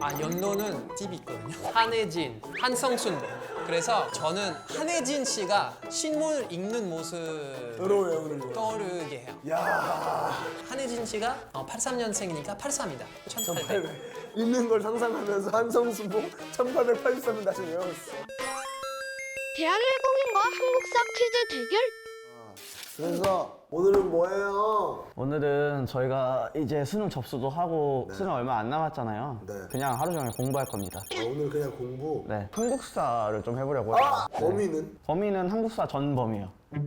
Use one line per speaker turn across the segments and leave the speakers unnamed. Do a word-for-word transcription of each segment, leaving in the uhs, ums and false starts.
아 연로는 팁이 있거든요. 한혜진, 한성순. 그래서 저는 한혜진 씨가 신문을 읽는 모습
더러워요 오늘.
떠오르게 해요.
야,
한혜진 씨가 어, 팔십삼 년생이니까 팔십삼이다. 천팔백.
천팔백. 있는 걸 상상하면서 한성수봉 천팔백팔십삼 년 다시 외웠어.
대한민국인과 한국사 퀴즈 대결.
그래서 오늘은 뭐예요?
오늘은 저희가 이제 수능 접수도 하고
네.
수능 얼마 안 남았잖아요.
네.
그냥 하루 종일 공부할 겁니다.
아, 오늘 그냥 공부.
네, 한국사를 좀 해보려고요.
아, 범위는?
범위는 한국사 전범위요.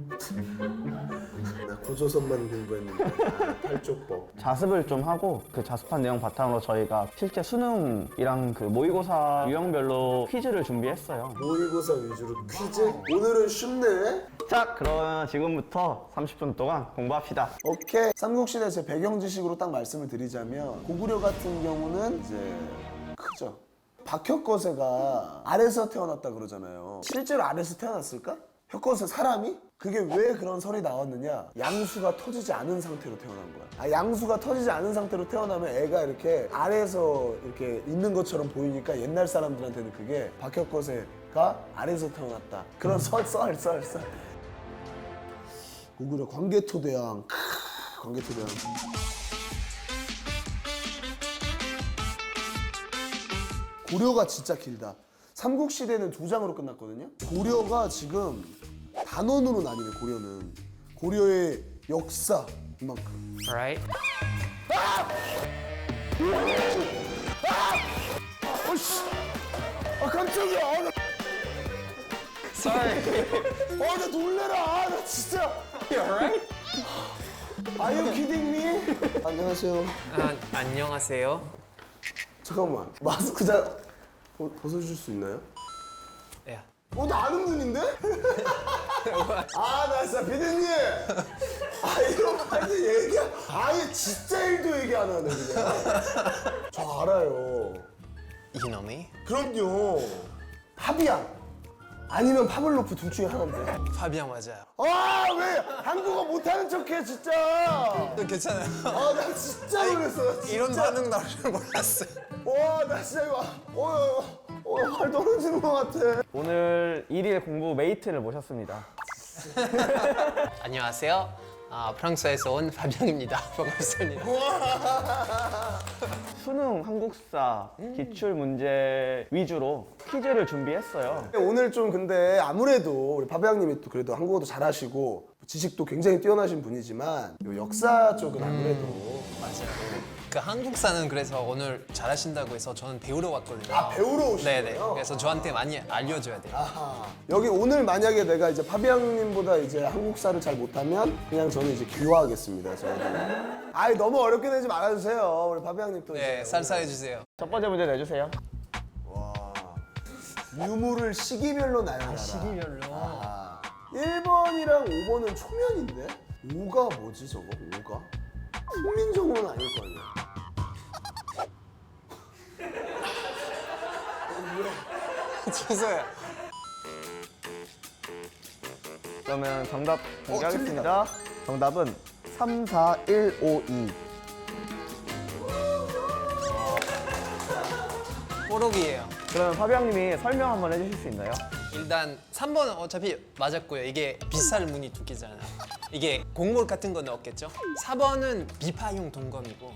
나 고조선만 공부했는데 아, 팔족법.
자습을 좀 하고 그 자습한 내용 바탕으로 저희가 실제 수능이랑 그 모의고사 유형별로 퀴즈를 준비했어요.
모의고사 위주로 퀴즈? 오늘은 쉽네.
자, 그러면 지금부터 삼십 분 동안 공부합시다.
오케이. 삼국시대 제 배경 지식으로 딱 말씀을 드리자면 고구려 같은 경우는 이제 크죠. 박혁거세가 알에서 태어났다 그러잖아요. 실제로 알에서 태어났을까? 혁거세 사람이? 그게 왜 그런 설이 나왔느냐? 양수가 터지지 않은 상태로 태어난 거야. 아, 양수가 터지지 않은 상태로 태어나면 애가 이렇게 알에서 이렇게 있는 것처럼 보이니까 옛날 사람들한테는 그게 박혁거세가 알에서 태어났다. 그런 설, 썰, 썰, 썰. 고구려 광개토대왕. 크, 광개토대왕. 고려가 진짜 길다. 삼국시대는 두 장으로 끝났거든요. 고려가 지금 단원으로 나뉘네. 고려는 고려의 역사 이만큼.
Right?
어씨, 아 깜짝이야. 아, 나,
Sorry.
아, 나 놀래라. 아, 나 진짜.
You alright?
Are you kidding me? 안녕하세요.
아, 안녕하세요.
잠깐만, 마스크 잘 벗- 벗어주실 수 있나요?
야.
어, 나 아는 분인데? 아, 나 진짜 피디님. 아, 이런 말도 얘기, 아예 진짜 일도 얘기 안 하네, 그냥. 저 알아요.
You know me?
그럼요. 파비앙. 아니면 파블로프 둘 중에 하나인데.
파비앙 맞아요.
아, 왜 한국어 못하는 척해, 진짜.
괜찮아요.
아, 나 진짜 놀랐어. 진짜.
이런 반응 나올 줄 몰랐어요.
와, 나 진짜 이거, 어, 어, 어, 발 떨어지는 것 같아.
오늘 일일 공부 메이트를 모셨습니다.
안녕하세요. 아, 프랑스에서 온 파비앙입니다. 반갑습니다.
수능 한국사 기출 문제 위주로 퀴즈를 준비했어요.
오늘 좀 근데 아무래도 우리 파비앙님이 또 그래도 한국어도 잘하시고 지식도 굉장히 뛰어나신 분이지만 요 역사 쪽은 아무래도
맞아요. 그 한국사는 그래서 오늘 잘하신다고 해서 저는 배우러 왔거든요.
아, 배우러 오신
네네.
거예요?
그래서 저한테 많이 알려줘야 돼요.
아하. 여기 오늘 만약에 내가 이제 파비앙님보다 이제 한국사를 잘 못하면 그냥 저는 이제 귀화하겠습니다. 저는. 아이 너무 어렵게 내지 말아주세요. 우리 파비앙님 또
네,
이제
쌀쌀해 주세요.
첫 번째 문제 내주세요.
와. 유무를 시기별로 나열하라.
시기별로.
아. 일 번이랑 오 번은 초면인데? 오가 뭐지 저거? 오가? 국민정음은 아닐 거 아니야.
죄송해요.
그러면 정답 공개하겠습니다. 정답은 삼, 사, 일, 오, 이.
뽀록이에요.
그러면 파비앙님이 설명 한번 해주실 수 있나요?
일단 삼 번은 어차피 맞았고요. 이게 비쌀 무늬 두 개잖아요. 이게 곡물 같은 건 없겠죠? 사 번은 비파용 동검이고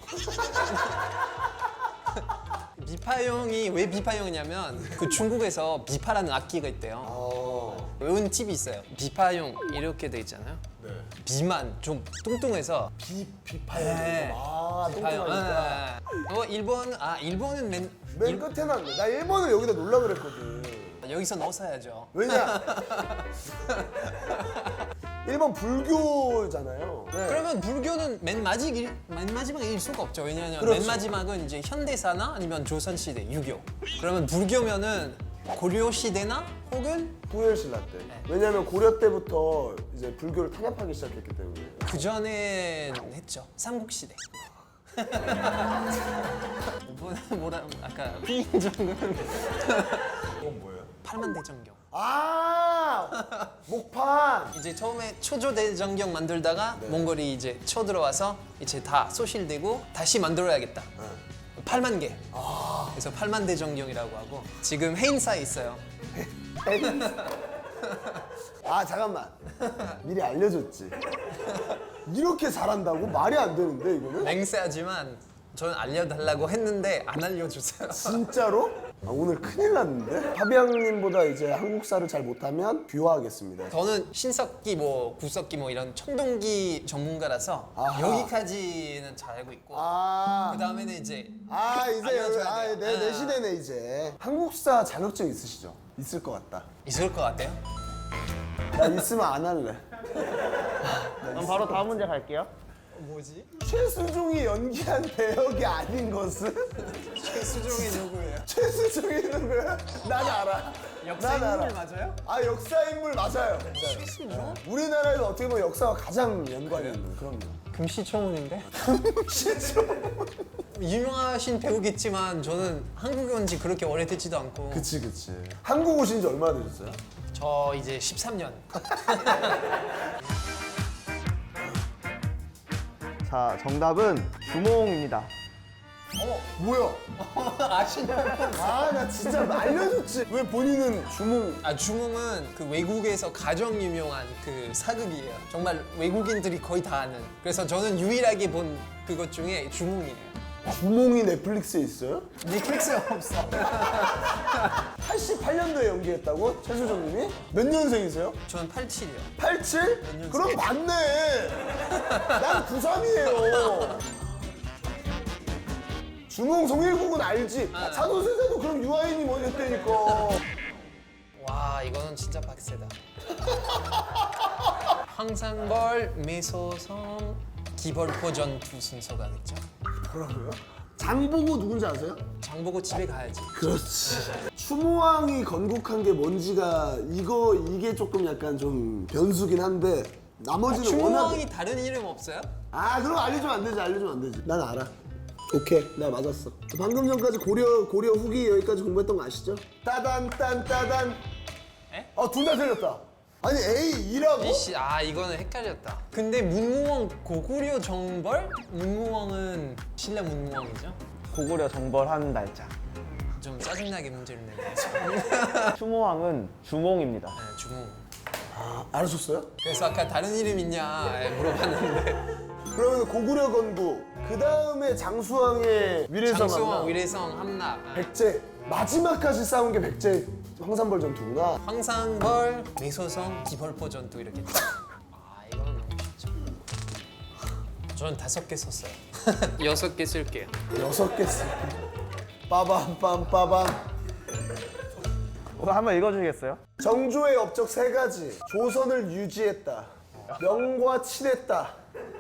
비파용이 왜 비파용이냐면 그 중국에서 비파라는 악기가 있대요.
어.
외운 팁이 있어요. 비파용 이렇게 돼 있잖아요.
네.
비만 좀 뚱뚱해서
비 비파요.
네.
아,
비파용.
똥똥하니까.
어, 일 번 아, 일 번은 맨
맨
일-
끝에 놨네. 나 일 번을 여기다 놓으려 그랬거든.
여기서 넣어서야죠.
왜냐? 일 번 불교잖아요. 네.
그러면 불교는 맨 마지막 맨 마지막일 수가 없죠. 왜냐하면
그렇죠.
맨 마지막은 이제 현대사나 아니면 조선 시대 유교. 그러면 불교면은 고려 시대나 혹은
후열신라 때.
네.
왜냐면 고려 때부터 이제 불교를 탄압하기 시작했기 때문에.
그 전에 했죠. 삼국 시대. 뭐, 뭐라 아까 후인정은
이건 뭐예요?
팔만대정경.
아 목판.
이제 처음에 초조대정경 만들다가
네.
몽골이 이제 쳐들어와서 이제 다 소실되고 다시 만들어야겠다. 팔만 개. 그래서 팔만 대정경이라고 하고 지금 해인사에 있어요.
아 잠깐만 미리 알려줬지. 이렇게 잘한다고? 말이 안 되는데 이거는?
맹세하지만 저는 알려달라고 했는데 안 알려주세요.
진짜로? 아, 오늘 큰일 났는데? 파비앙님보다 이제 한국사를 잘 못하면 귀화하겠습니다.
저는 신석기 뭐 구석기 뭐 이런 청동기 전문가라서
아하.
여기까지는 잘 알고 있고
아,
그 다음에는 이제
아 이제
알려줘야
아,
돼요.
내, 내
아.
시대네 이제. 한국사 자격증 있으시죠? 있을 것 같다.
있을 것 같아요.
나 있으면 안 할래.
그럼 바로 다음 문제 갈게요.
뭐지?
최수종이 연기한 배역이 아닌 것은?
최수종이 누구예요?
최수종이 누구야? 난 알아.
역사
난 알아.
인물 맞아요?
아 역사 인물 맞아요.
최수종?
우리나라에서 어떻게 보면 역사와 가장 연관이 있는 그럼요.
금시초문인데?
실제로.
유명하신 배우겠지만 저는 한국에 온 지 그렇게 오래되지도 않고
그치 그치. 한국 오신 지 얼마나 되셨어요?
저 이제 십삼 년.
자, 정답은 주몽입니다.
어 뭐야?
아시나요?
아 나 진짜 알려줬지. 왜 본인은 주몽?
아 주몽은 그 외국에서 가장 유명한 그 사극이에요. 정말 외국인들이 거의 다 아는. 그래서 저는 유일하게 본 그것 중에 주몽이에요.
주몽이 넷플릭스에 있어요?
넷플릭스에 없어.
팔십팔 년도에 연기했다고? 최수종님이? 몇 년생이세요?
저는 팔십칠이요.
팔십칠? 그럼 맞네. 난 구십삼이에요. 주몽 송일국은 알지?
아.
사도세자도 그럼 유아인이 뭐 했다니까.
와 이거는 진짜 박세다. 황산벌, 매소성, 기벌포 전투 순서가 있죠.
뭐라고요? 장보고 누군지 아세요?
장보고 집에 가야지.
그렇지. 추모왕이 건국한 게 뭔지가 이거 이게 조금 약간 좀 변수긴 한데 나머지는 워낙.
추모왕이 다른 이름 없어요?
아 그럼 알려주면 안 되지 알려주면 안 되지. 난 알아. 오케이 내가 맞았어. 방금 전까지 고려 고려 후기 여기까지 공부했던 거 아시죠? 따단 딴 따단.
에?
어둘 다 틀렸다. 아니 A 이라고?
이씨 아 이거는 헷갈렸다. 근데 문무왕 고구려 정벌? 문무왕은 신라 문무왕이죠?
고구려 정벌한 날짜.
좀 짜증나게 문제를 내네.
추모왕은 주몽입니다.
네, 주몽.
아 알아줬어요?
그래서 아까 다른 이름 있냐 물어봤는데
그러면 고구려 건국 그 다음에 장수왕의 위례성
장수왕,
함락,
위례성, 함락. 네.
백제 마지막까지 싸운 게 백제 황산벌 전투구나.
황산벌, 매소성, 기벌포 전투 이렇게. 아 이거는 너무 쉽죠. 저는 다섯 개 썼어요. 여섯 개 쓸게요.
여섯 개 쓰. 빠밤 빰 빠밤.
이거 한번 읽어주시겠어요?
정조의 업적 세 가지. 조선을 유지했다. 명과 친했다.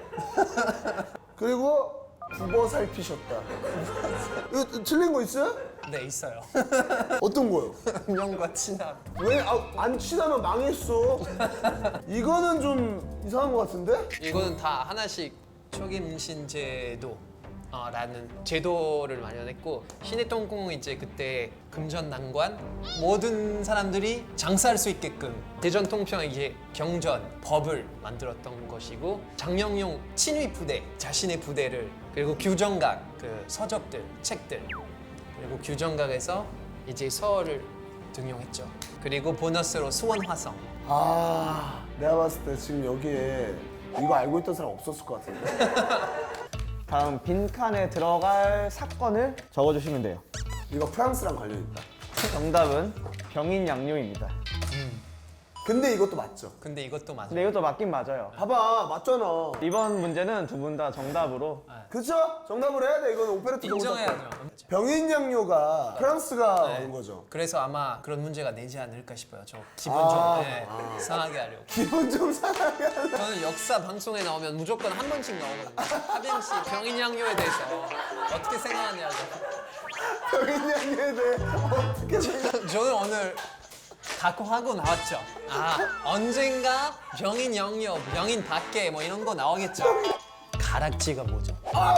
그리고 국어 살피셨다. 이거 틀린 거 있어요?
네 있어요.
어떤 거요?
명과 친합.
왜 안 친하면 망했어? 이거는 좀 이상한 거 같은데?
이거는 다 하나씩 초김신제도 어, 라는 제도를 마련했고 신해통공은 이제 그때 금전난관 모든 사람들이 장사할 수 있게끔 대전통평 이제 경전 법을 만들었던 것이고 장영용 친위 부대 자신의 부대를 그리고 규정각 그 서적들 책들 그리고 규정각에서 이제 서어를 등용했죠. 그리고 보너스로 수원화성.
아, 내가 봤을 때 지금 여기에 이거 알고 있던 사람 없었을 것 같은데.
다음 빈칸에 들어갈 사건을 적어주시면 돼요.
이거 프랑스랑 관련 있다.
정답은 병인양요입니다.
근데 이것도 맞죠?
근데 이것도 맞아요.
근데 이것도 맞긴 맞아요.
봐봐, 맞잖아.
이번 문제는 두 분 다 정답으로
그쵸? 정답을 해야 돼. 이거는 오페레트
인정해야죠.
병인양요가 프랑스가
네.
온 거죠.
그래서 아마 그런 문제가 내지 않을까 싶어요. 저 기분
아,
좀 네, 상하게 하려고.
기분 좀 상하게 하려.
저는 역사 방송에 나오면 무조건 한 번씩 나오거든요. 하빈 씨 병인양요에 대해서 어떻게 생각하냐고.
병인양요에 대해 어떻게 생각?
저는 오늘 각오하고 나왔죠. 아 언젠가 병인양요, 병인 밖에 뭐 이런 거 나오겠죠. 가락지가 뭐죠?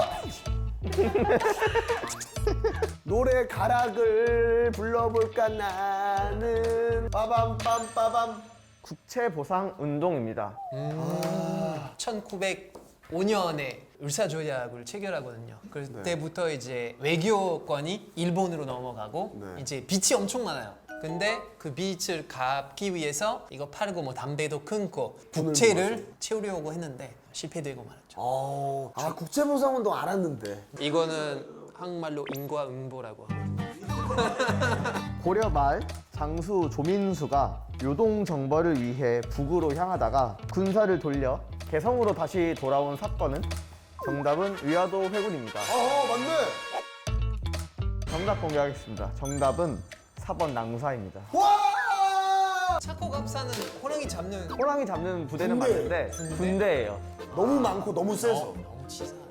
노래 가락을 불러볼까 나는 빠밤 빰 빠밤.
국채보상운동입니다.
천구백오 년에 을사조약을 체결하거든요. 그때부터 이제 외교권이 일본으로 넘어가고
네.
이제 빚이 엄청 많아요. 근데 그 빚을 갚기 위해서 이거 팔고 뭐 담배도 끊고 국채를 채우려고 했는데 실패되고 말았죠.
어, 아 국제보상운동 알았는데.
이거는 한국말로 인과응보라고 하거든요.
고려 말 장수 조민수가 요동 정벌을 위해 북으로 향하다가 군사를 돌려 개성으로 다시 돌아온 사건은 정답은 위화도 회군입니다.
어 맞네.
정답 공개하겠습니다. 정답은 사 번 낭사입니다.
와!
차코갑사는 호랑이 잡는
호랑이 잡는 부대는
군대.
맞는데
군대?
군대예요.
너무 많고 너무 세서.
어, 너무 치사하다.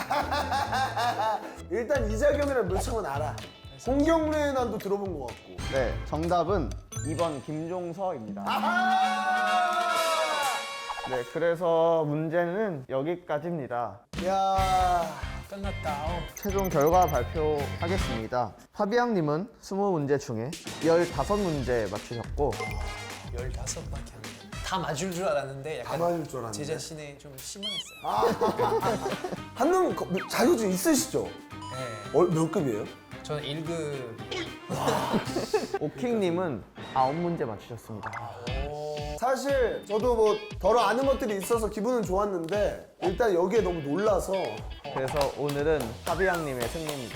일단 이자경이랑 묘창은 알아. 홍경래 난도 들어본 것 같고.
네, 정답은 이 번 김종서입니다.
아하!
네, 그래서 문제는 여기까지입니다.
야,
끝났다. 어.
최종 결과 발표하겠습니다. 파비앙님은 이십 문제 중에 십오 문제 맞추셨고
열다섯 밖에 안 돼. 다 맞을 줄 알았는데
다
약간
맞을 줄 알았는데.
제 자신에 좀 실망했어요.
한능 거- 자격증 있으시죠?
네.
어, 몇 급이에요?
저는 일 급.
오킹님은 아홉 문제 맞추셨습니다.
사실 저도 뭐 덜어 아는 것들이 있어서 기분은 좋았는데 일단 여기에 너무 놀라서
그래서 오늘은 파비앙님의 승리입니다.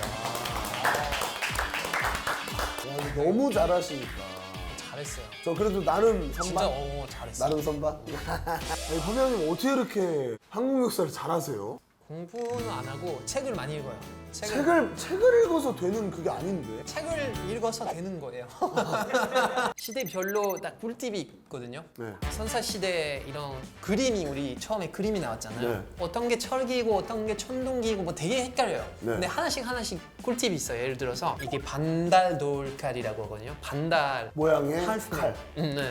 야, 이거 너무 잘하시니까.
잘했어요.
저 그래도 나름
진짜
선반?
어 잘했어.
나름 선반? 아니, 파비앙님 어떻게 이렇게 한국 역사를 잘하세요?
공부는 안 하고 책을 많이 읽어요. 책을
책을, 책을 읽어서 되는 그게 아닌데.
책을 읽어서 되는 거예요. 시대별로 딱 꿀팁이 있거든요.
네.
선사 시대 이런 그림이 우리 처음에 그림이 나왔잖아요.
네.
어떤 게 철기고 어떤 게 천둥기고 뭐 되게 헷갈려요.
네.
근데 하나씩 하나씩 꿀팁이 있어요. 예를 들어서 이게 반달 돌칼이라고 하거든요. 반달
모양의
칼.
칼.
음, 네.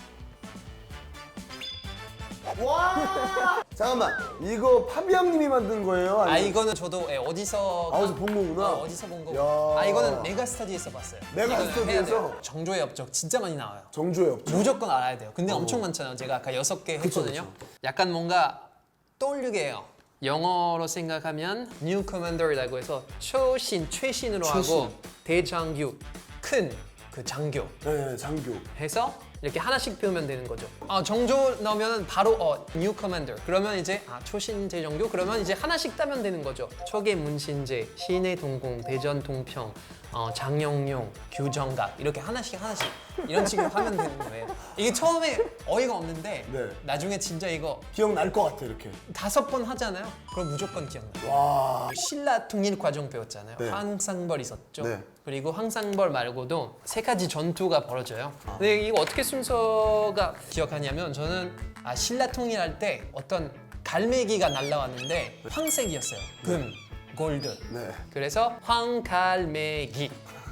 와! 잠깐만, 이거 파비앙님이 만든 거예요?
아
아니면
이거는 저도 예, 어디서
아, 어디서 본 거구나?
어, 어디서 본 거고.
야.
아 이거는 메가스터디에서 봤어요.
메가스터디에서?
이거는 해야 돼요. 정조의 업적 진짜 많이 나와요.
정조의 업적.
무조건 알아야 돼요. 근데 엄청 많잖아요. 제가 아까 여섯 개
그쵸,
했거든요. 약간 뭔가 떠올리게 해요. 영어로 생각하면 New Commander이라고 해서 초신, 최신으로
최신.
하고 대장교, 큰 그 장교
네, 장교.
해서 이렇게 하나씩 배우면 되는 거죠. 아, 정조 넣으면 바로 어, New Commander. 그러면 이제 아, 초신제 정교 그러면 이제 하나씩 따면 되는 거죠. 초계 문신제, 신의 동공, 대전 동평, 어, 장영용, 규정각 이렇게 하나씩 하나씩 이런 식으로 하면 되는 거예요. 이게 처음에 어이가 없는데
네.
나중에 진짜 이거
기억날 것 같아, 이렇게.
다섯 번 하잖아요. 그럼 무조건 기억나요.
와.
신라 통일 과정 배웠잖아요.
네.
황상벌 있었죠.
네.
그리고 황상벌 말고도 세 가지 전투가 벌어져요. 근데 이거 어떻게 순서가 기억하냐면 저는 아, 신라 통일할 때 어떤 갈매기가 날라왔는데 황색이었어요. 금, 골드.
네.
그래서 황갈매기.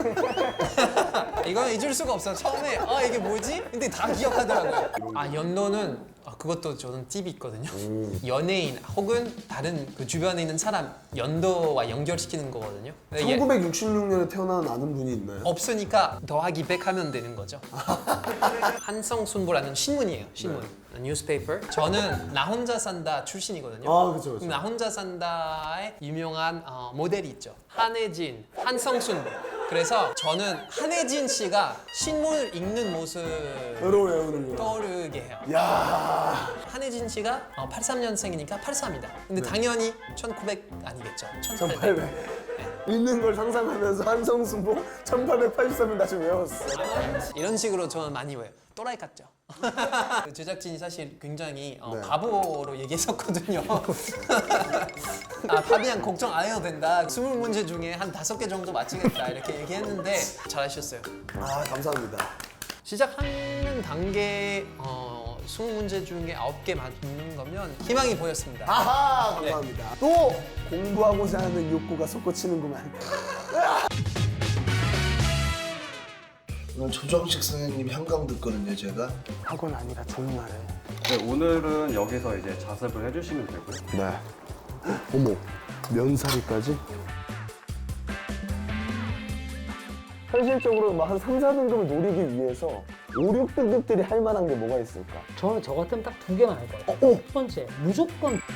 이건 잊을 수가 없어. 처음에 아 이게 뭐지? 근데 다 기억하더라고요. 아 연도는 아, 그것도 저는 팁이 있거든요. 연예인 혹은 다른 그 주변에 있는 사람 연도와 연결시키는 거거든요. 근데 얘
천구백육십육 년에 태어난 아는 분이 있나요?
없으니까 더하기 백 하면 되는 거죠. 한성순보라는 신문이에요. 신문. 뉴스페이퍼. 저는 나 혼자 산다 출신이거든요.
아, 그쵸, 그쵸.
나 혼자 산다의 유명한 어, 모델이 있죠. 한혜진, 한성순. 그래서 저는 한혜진 씨가 신문을 읽는 모습
여러 외우는구나.
떠오르게 해요.
야.
한혜진 씨가 어, 팔십삼 년생이니까 팔십삼이다. 근데 당연히 천구백 아니겠죠. 천팔백.
천팔백. 있는 걸 상상하면서 한성순보 천팔백팔십삼 을 다시 외웠어.
이런 식으로 저는 많이 외워요. 또라이 같죠? 그 제작진이 사실 굉장히 어,
네.
바보로 얘기했었거든요. 아, 파비앙 걱정 안 해도 된다. 스물 문제 중에 한 다섯 개 정도 맞히겠다. 이렇게 얘기했는데 잘하셨어요.
아, 감사합니다.
시작하는 단계 어, 스무 문제 중에 아홉 개 맞는 거면 희망이 보였습니다.
아하, 감사합니다. 또 공부하고자 하는 욕구가 솟구치는구만.
오늘 조정식 선생님 현강 듣거든요, 제가.
학원 아니라 정말.
네, 오늘은 여기서 이제 자습을 해주시면 되고요.
네. 어머, 면사리까지? 현실적으로 막 한 삼, 사 등급을 노리기 위해서 오, 육 등급들이 할 만한 게 뭐가 있을까?
저는 저 같으면 딱 두 개만 할 거예요.
어, 어.
첫 번째, 무조건